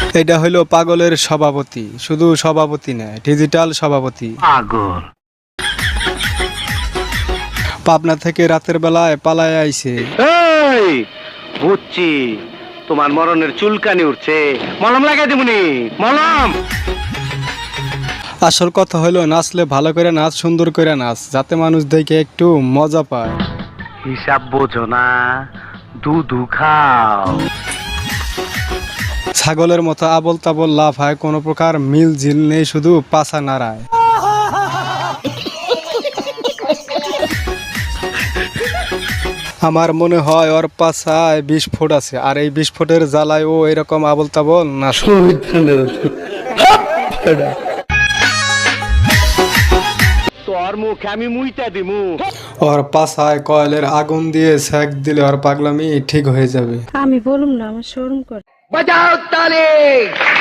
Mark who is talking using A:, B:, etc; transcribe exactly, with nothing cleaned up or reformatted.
A: এটা হইলো পাগলের সভাপতি, শুধু সভাপতি না, ডিজিটাল সভাপতি।
B: পাগল
A: পাবনা থেকে রাতের বেলায় পালায় আইছে।
B: এই বুঝছি, তোমার মরণের চুলকানি উঠছে, মলম লাগাই দেবনি, মলম।
A: আসল কথা হইলো নাচলে ভালো করে নাচ, সুন্দর করে নাচ, যাতে মানুষ দেখে একটু মজা পায়।
B: হিসাব বোঝো না, দুধু খাও।
A: ছাগলের মতো আবল তাবল লাফায়, কোনো প্রকার মিল ঝিল নেই, শুধু পাছা নাড়ায়। আমার মনে হয় ওর পাছায় বিশ ফুট আছে, আর এই বিশ ফুটের জ্বালায় ও এরকম আবল তাবল নাচ।
B: তোর মুখে আমি মুইটা দিমু।
A: ওর পাছায় কয়লের আগুন দিয়ে সেক দিলে ওর পাগলামি ঠিক হয়ে যাবে।
C: আমি বলুম না, আমার শরম করে।
B: বাজাও তালি।